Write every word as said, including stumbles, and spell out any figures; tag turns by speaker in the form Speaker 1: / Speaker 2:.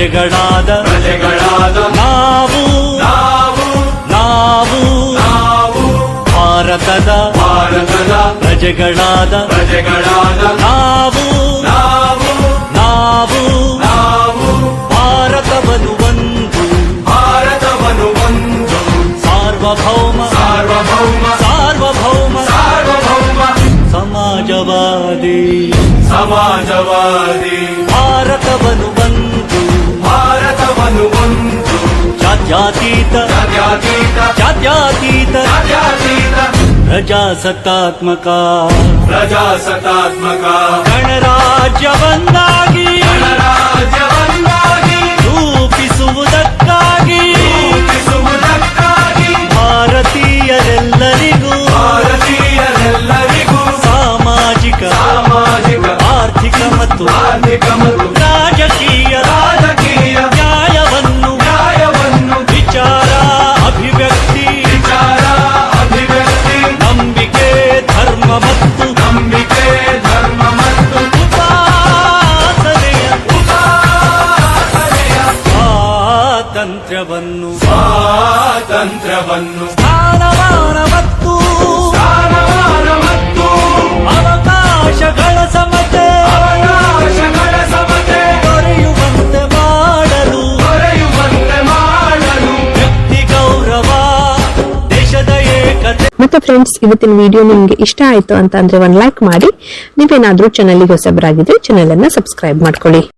Speaker 1: ಪ್ರಜೆಗಳಾದ ಪ್ರಜೆಗಳಾದ ನಾವು ನಾವು ನಾವು ನಾವು ಭಾರತದ ಭಾರತದ ಪ್ರಜೆಗಳಾದ ಪ್ರಜೆಗಳಾದ ನಾವು ನಾವು ನಾವು ನಾವು ಭಾರತವನ್ನು ಒಂದು ಭಾರತವನ್ನು ಒಂದು ಸಾರ್ವಭೌಮ ಸಾರ್ವಭೌಮ ಸಾರ್ವಭೌಮ ಸಾರ್ವಭೌಮ ಸಮಾಜವಾದಿ ಸಮಾಜವಾದಿ ಭಾರತವನ್ನು ಒಂದು ಭಾರತವನ್ನು ಒಂದು ಜಾತ್ಯತೀತ ಜಾತ್ಯತೀತ ಜಾತ್ಯತೀತ ಜಾತ್ಯತೀತ ಪ್ರಜಾಸತ್ತಾತ್ಮಕ ಪ್ರಜಾಸತ್ತಾತ್ಮಕ ಗಣರಾಜ್ಯವನ್ನಾಗಿ ಗಣರಾಜ್ಯವನ್ನಾಗಿ ರೂಪಿಸುವುದಕ್ಕಾಗಿ ರೂಪಿಸುವುದಕ್ಕಾಗಿ ಭಾರತೀಯರೆಲ್ಲರಿಗೂ ಭಾರತೀಯರೆಲ್ಲರಿಗೂ ಸಾಮಾಜಿಕ ಸಾಮಾಜಿಕ ಆರ್ಥಿಕ ಮತ್ತು ಆರ್ಥಿಕ ಮತ್ತು ರಾಜಕೀಯ ರಾಜಕೀಯ ನ್ಯಾಯವನ್ನು ನ್ಯಾಯವನ್ನು ವಿಚಾರ ಅಭಿವ್ಯಕ್ತಿ ವಿಚಾರ ಅಭಿವ್ಯಕ್ತಿ ನಂಬಿಕೆ ಧರ್ಮ ಮತ್ತು ನಂಬಿಕೆ ಧರ್ಮ ಮತ್ತು ಉಪಾಸನೆಯ ಉಪಾಸನೆಯ ಸ್ವಾತಂತ್ರ್ಯವನ್ನು ಸ್ವಾತಂತ್ರ್ಯವನ್ನು ಸ್ಥಾನಮಾನ ಮತ್ತು ಸ್ಥಾನಮಾನ ಮತ್ತು ಅವಕಾಶಗಳ ಸಮತೆ ಅವಕಾಶಗಳ ಸಮತೆ ದೊರೆಯುವಂತೆ ಮಾಡಲು ದೊರೆಯುವಂತೆ ಮಾಡಲು ವ್ಯಕ್ತಿ ಗೌರವ ದೇಶದ ಏಕತೆ.
Speaker 2: ಮತ್ತೆ ಫ್ರೆಂಡ್ಸ್, ಇವತ್ತಿನ ವಿಡಿಯೋ ನಿಮ್ಗೆ ಇಷ್ಟ ಆಯ್ತು ಅಂತ ಅಂದ್ರೆ ಒಂದ್ ಲೈಕ್ ಮಾಡಿ. ನೀವೇನಾದ್ರೂ ಚಾನೆಲ್ಗೆ ಹೊಸಬರಾಗಿದ್ರೆ ಚಾನೆಲ್ ಅನ್ನ ಸಬ್ಸ್ಕ್ರೈಬ್ ಮಾಡ್ಕೊಳ್ಳಿ.